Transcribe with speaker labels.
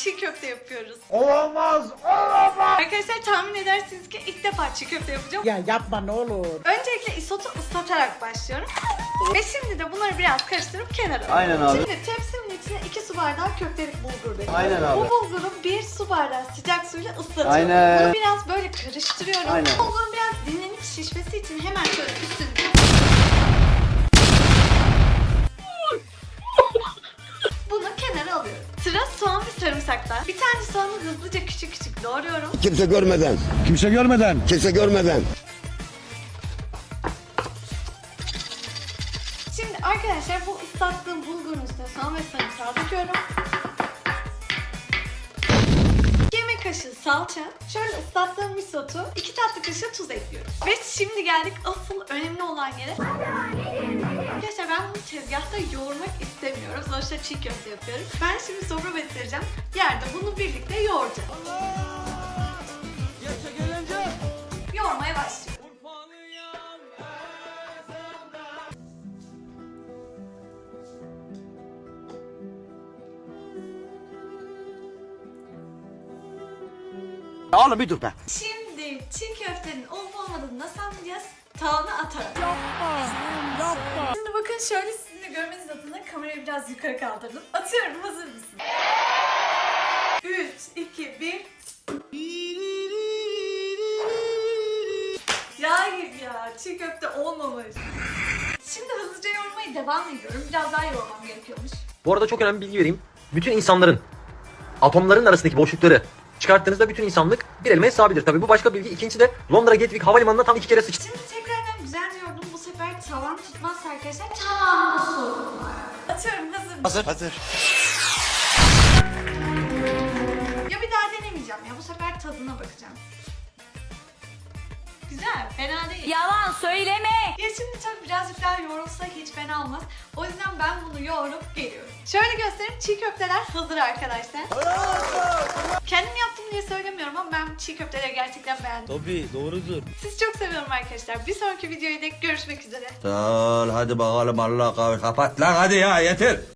Speaker 1: çiğ köfte yapıyoruz.
Speaker 2: Olamaz, olamaz.
Speaker 1: Arkadaşlar tahmin edersiniz ki ilk defa çiğ köfte yapacağım.
Speaker 2: Ya yapma ne olur.
Speaker 1: Öncelikle isotu ıslatarak başlıyorum. Ve şimdi de bunları biraz karıştırıp kenara alıyorum.
Speaker 3: Aynen abi.
Speaker 1: Şimdi tepsimin içine 2 su bardağı köftelik bulgur döküyorum.
Speaker 3: Aynen abi.
Speaker 1: Bu bulguru 1 su bardağı sıcak suyla ıslatıyorum.
Speaker 3: Aynen.
Speaker 1: Bunu biraz böyle karıştırıyorum.
Speaker 3: Aynen.
Speaker 1: Bulgurun biraz dinlenip şişmesi için hemen şöyle üstünü bunu kenara alıyorum. Sıra soğan ve sarımsakta. Bir tane soğanı hızlıca küçük küçük doğruyorum.
Speaker 4: Kimse görmeden.
Speaker 5: Kimse görmeden.
Speaker 4: Kimse görmeden.
Speaker 1: Şimdi arkadaşlar bu ıslattığım bulgurun üstüne soğan ve sarımsağı döküyorum. Yemek kaşığı salça, şöyle ıslattığım misotu, 2 tatlı kaşığı tuz ekliyorum. Ve şimdi geldik asıl önemli olan yere. Arkadaşlar ben bunu tezgahta yoğurmak istemiyorum. Sonuçta çiğ köfte yapıyorum. Ben şimdi sofra besleyeceğim. Yerde bunu birlikte yoğuracağım. Yoğurmaya başlıyorum.
Speaker 4: Oğlum bir dur be.
Speaker 1: Şimdi çiğ köftenin olup olmadığını nasıl anlayacağız? Tavana atarak. Şimdi bakın şöyle sizin de görmeniz adına kamerayı biraz yukarı kaldırdım. Atıyorum, hazır mısın? 3, 2, 1. Yağ gibi ya, çiğ köfte olmamış. Şimdi hızlıca yoğurmaya devam ediyorum. Biraz daha yoğurmam gerekiyormuş.
Speaker 6: Bu arada çok önemli bir bilgi vereyim. Bütün insanların, atomların arasındaki boşlukları çıkarttığınızda bütün insanlık bir elmaya sığabilir. Tabii bu başka bilgi. İkincisi de Londra Gatwick Havalimanı'na tam 2 kere sıçtı.
Speaker 1: Şimdi tekrardan güzel yoğurdum. Bu sefer tavam tutmazsa arkadaşlar tavamda sorun var. Atıyorum, hazır mısın?
Speaker 4: Hazır.
Speaker 1: Ya bir daha denemeyeceğim ya. Bu sefer tadına bakacağım. Güzel, fena değil.
Speaker 7: Yalan söyleme.
Speaker 1: Ya şimdi tabii birazcık daha yoğrulsa hiç fena olmaz. O yüzden ben bunu yoğurup geliyorum. Şöyle göstereyim, çiğ köfteler hazır arkadaşlar. Kendim yaptım diye söylemiyorum ama ben çiğ köfteleri gerçekten beğendim.
Speaker 5: Tabii doğrudur.
Speaker 1: Sizi çok seviyorum arkadaşlar. Bir sonraki videoya dek görüşmek üzere.
Speaker 4: Hadi bakalım Allah kahve kapat lan hadi ya yeter.